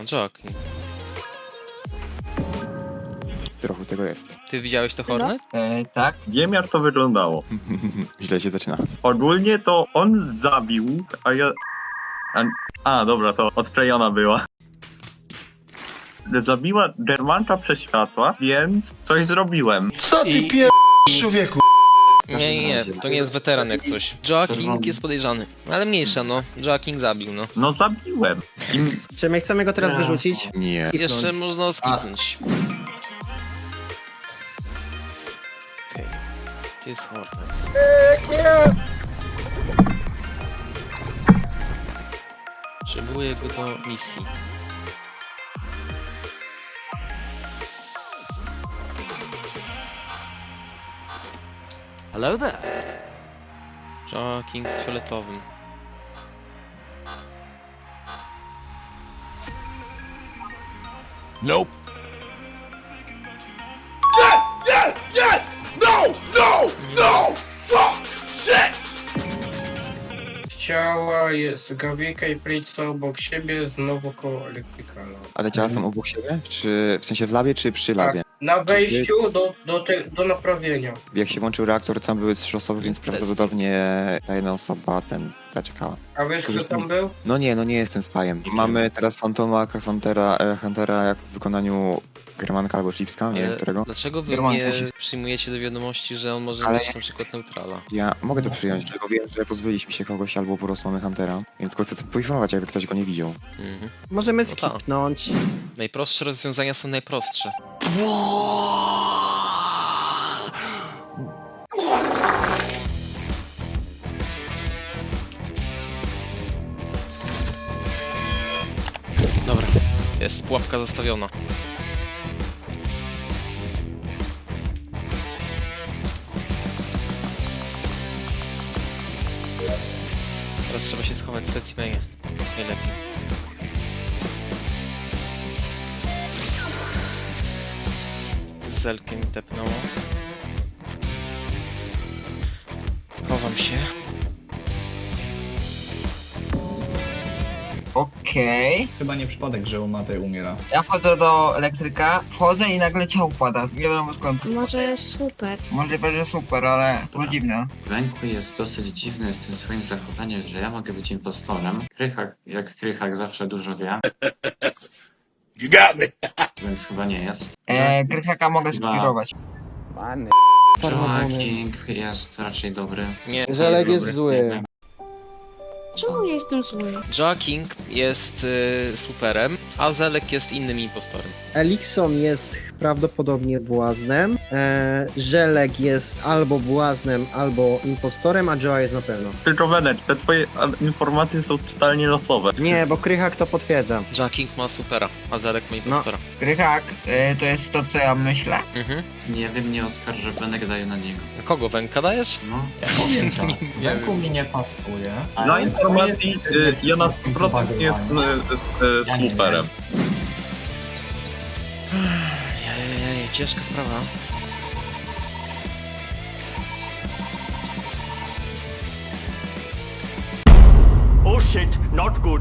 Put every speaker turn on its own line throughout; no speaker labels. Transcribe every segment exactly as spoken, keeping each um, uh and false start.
Joking.
Trochę tego jest.
Ty widziałeś to Hornet?
E, tak.
Wiem jak to wyglądało.
Źle się zaczyna.
Ogólnie to on zabił, a ja... A, a dobra, to odklejona była. Zabiła Germanta przez światła, więc coś zrobiłem.
Co ty
I-
pier... człowieku?
Nie, nie, nie, to nie jest weteran jak coś. Joking jest podejrzany. Ale mniejsza, no. Joking zabił, no.
No zabiłem. I
Czy my chcemy go teraz wyrzucić?
Nie.
Jeszcze można skipnąć. Okej. Gdzie jest Hornet? Potrzebuję go do misji. Hello there. Joking z fioletowym.
Nope. Yes! Yes! Yes! No! No! No! Fuck! Shit!
Ciała jest Gawika i Pritza obok siebie, znowu koło elektrykala.
A te ciała są obok siebie? Czy w sensie w labie, czy przy labie?
Na wejściu do, do, te, do naprawienia.
Jak się włączył reaktor, tam były trzy osoby, więc prawdopodobnie ta jedna osoba ten zaczekała.
A wiesz,
Tylko,
kto
że-
tam był?
No nie, no nie jestem spajem. Mamy teraz Fantoma, Huntera, e, Huntera jak w wykonaniu Germanka albo Chipska, nie wiem
Ale
którego.
Dlaczego wy
German,
nie
coś-
przyjmujecie do wiadomości, że on może
Ale-
mieć na przykład neutrala?
Ja mogę to przyjąć, tylko wiem, że pozbyliśmy się kogoś albo po prostu mamy Huntera, więc go chcę poinformować, jakby ktoś go nie widział.
Mhm.
Możemy
No tak.
skipnąć.
Najprostsze rozwiązania są najprostsze. Dobra, jest pułapka zastawiona. Teraz trzeba się schować w specimenie. Najlepiej. Z zelkiem mi tepnęło. Chowam się.
Okej.
Chyba nie przypadek, że Umatej umiera.
Ja wchodzę do elektryka, wchodzę i nagle ciało pada. Nie wiadomo skąd.
Może super.
Możliwe, że super, ale to było dziwne.
Wenku jest dosyć dziwny z tym swoim zachowaniem, że ja mogę być impostorem. Krychak, jak Krychak zawsze dużo wie,
You got me!
więc chyba nie jest.
E, Krychaka mogę
Dwa.
spirować.
Joaking jest raczej dobry.
Nie,
Żelek
nie
jest
dobry.
zły.
Czemu ja jestem zły?
Joking jest y, superem, a Zelek jest innym impostorem.
Elikson jest prawdopodobnie błaznem. E, Żelek jest albo błaznem, albo impostorem, a Joa jest na pewno.
tylko Wenek, te twoje a, informacje są totalnie losowe.
Nie, bo Krychak to potwierdza.
Joking ma supera, a Zelek ma impostora.
Krychak, e, to jest to, co ja myślę.
Mhm.
Nie wiem, nie oskarżę, Wenek daje na niego.
A kogo, Węka dajesz?
No,
Ja powiem tak,
Nie
Wenku mi nie pasuje.
Dla informacji, y, ja na sto procent jestem y, z, y, superem.
Ej, ciężka sprawa.
Oh shit, not good.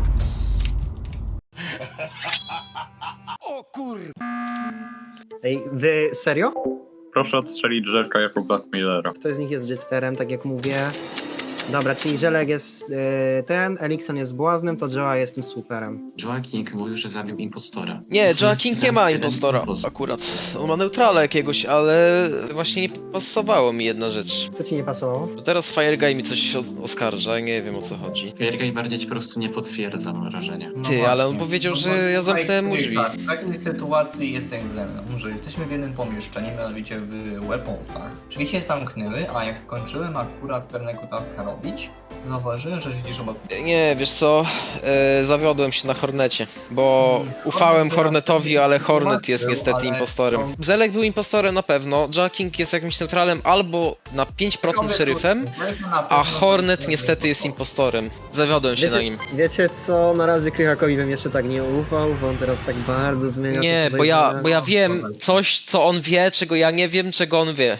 Ej, wy serio?
Proszę odstrzelić Żelka jako Blackmailera.
Kto z nich jest Jitsterem, tak jak mówię. Dobra, czyli Żelek jest e, ten, Elikson jest błaznem, to Joa jest tym superem.
Joaking mówił, że zabił impostora.
Nie, Joking nie ma
Jeden
impostora
impostor.
akurat. On ma neutrala jakiegoś, ale właśnie nie pasowało mi jedna rzecz.
Co ci nie pasowało?
Bo teraz Fireguy mi coś o- oskarża, nie wiem o co chodzi.
Piergaj bardziej po prostu nie potwierdza, mam wrażenie.
Ty, ale on powiedział, że ja zamknąłem mu drzwi.
W takiej sytuacji jest tak ze mną, że jesteśmy w jednym pomieszczeniu, mianowicie w weaponsach. Drzwi się zamknęły, a jak skończyłem akurat pewnego taska robić, zauważyłem, że siedzisz obok.
Nie, wiesz co, e, zawiodłem się na Hornecie, bo ufałem Hornetowi, ale Hornet jest niestety impostorem. Zelek był impostorem na pewno, Joking jest jakimś neutralem albo na pięć procent szeryfem, a Hornet niestety jest impostorem. Zawiodłem się na
Wiecie,
nim.
wiecie co, na razie Krychakowi bym jeszcze tak nie ufał, bo on teraz tak bardzo zmienia
Nie,
te
bo ja,
podejrzenia.
bo ja wiem coś, co on wie, czego ja nie wiem, czego on wie.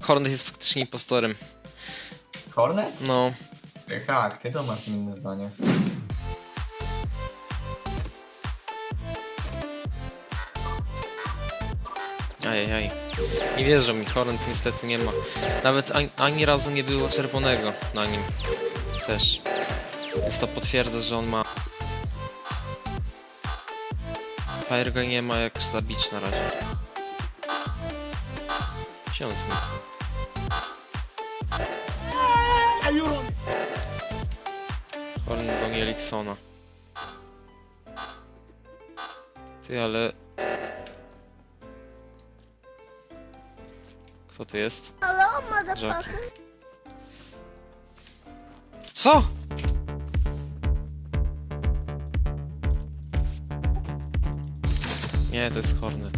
Hornet jest faktycznie impostorem.
Hornet?
No.
Krychak, ty to masz inne zdanie.
Ajajaj. Nie wierzę mi, Hornet niestety nie ma. Nawet ani, ani razu nie było czerwonego na nim. Też. Więc to potwierdza, że on ma. Fireguy nie ma jak zabić na razie. Się zmi. Hornet goni Eliksona. Ty, ale... Kto tu jest? Jockey. Co? Nie, to jest Hornet.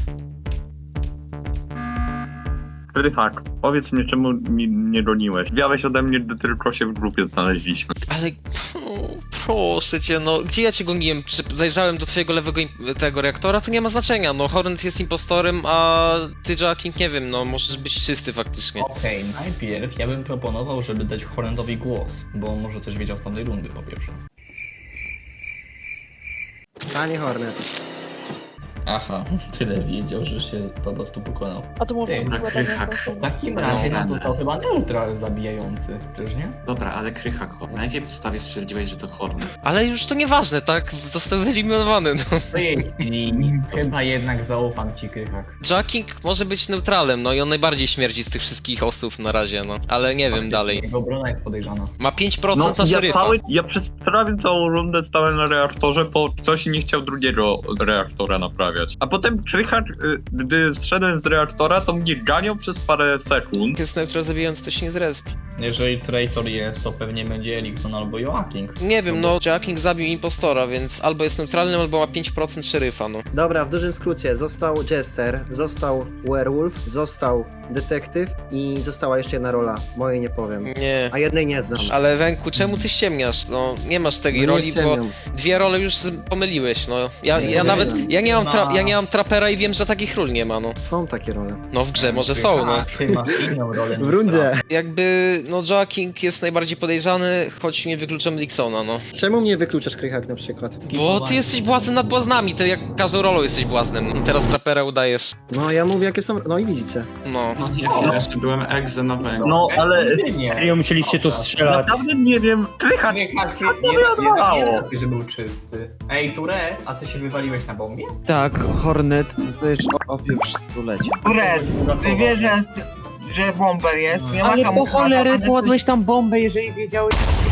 Krychak, powiedz mi, czemu mi nie goniłeś? Wiałeś ode mnie, gdy tylko się w grupie znaleźliśmy.
Ale... O, proszę cię, no, gdzie ja cię goniłem? Przy, zajrzałem do twojego lewego im- tego reaktora, to nie ma znaczenia, no, Hornet jest impostorem, a ty, Jacking, nie wiem, no, możesz być czysty faktycznie.
Okej, najpierw ja bym proponował, żeby dać Hornetowi głos, bo on może coś wiedział z tamtej rundy po pierwsze.
Panie Hornet.
Aha, tyle wiedział, że się po prostu pokonał.
A to może
Dobra, Krychak.
W takim
No,
razie nam
no,
został
no.
chyba neutral zabijający, czyż nie?
Dobra, ale Krychak, na jakiej podstawie stwierdziłeś, że to Hornet?
Ale już to nieważne, tak? Został wyeliminowany, no.
I chyba jednak zaufam ci, Krychak.
Jacking może być neutralem, no i on najbardziej śmierdzi z tych wszystkich osób na razie, no. Ale nie wiem dalej.
Jego obrona jest podejrzana.
Ma pięć procent
No,
na
ja,
szeryfa.
cały, ja przez prawie całą rundę stałem na reaktorze, bo ktoś nie chciał drugiego reaktora naprawiać. A potem Krychak, y, gdy zszedłem z reaktora, to mnie ganiał przez parę sekund.
Jest neutral zabijający, to się nie zrespi.
Jeżeli traitor jest, to pewnie będzie Elikson albo Joaking.
Nie wiem, no, Jacking zabił impostora, więc albo jest neutralnym, albo ma pięć procent szeryfa, no.
Dobra, w dużym skrócie, został Jester, został Werewolf, został Detektyw i została jeszcze jedna rola. Mojej nie powiem.
Nie.
A jednej nie znam.
Ale Wenku, czemu ty ściemniasz? No, nie masz tej
No nie
roli, bo
ściemniam.
dwie role już z- pomyliłeś, no. Ja,
Nie,
ja
nie
nawet,
wiem.
ja nie mam, tra-
Ma-
ja nie mam trapera i wiem, że takich ról nie ma, no.
Są takie role.
No w grze może są, no.
A ty masz inną rolę.
W rundzie.
Jakby, no, Jacking jest najbardziej podejrzany, choć nie wykluczam Dixona, no.
Czemu mnie wykluczasz, Krychak, na przykład?
Bo ty jesteś błazem nad błazami, ty jak każdą rolą jesteś błaznem. I teraz trapera udajesz.
No, ja mówię, jakie są... No i widzicie.
No.
No nie wiem, jeszcze byłem egze na węglu.
No, ale
Nie.
musieliście tu strzelać.
naprawdę nie wiem, Krychak,
Krychak,
co
nie,
to
nie, nie,
wydawało?
nie, nie, że był czysty. Ej, Ture, a ty się wywaliłeś na bombie?
Tak, Hornet, dostajesz opieprz stulecie.
Turet, ty wiesz, że, że bomber jest, nie ma
Ale
tam
po cholerę
uchwata,
kładłeś tam bombę, jeżeli wiedziałeś,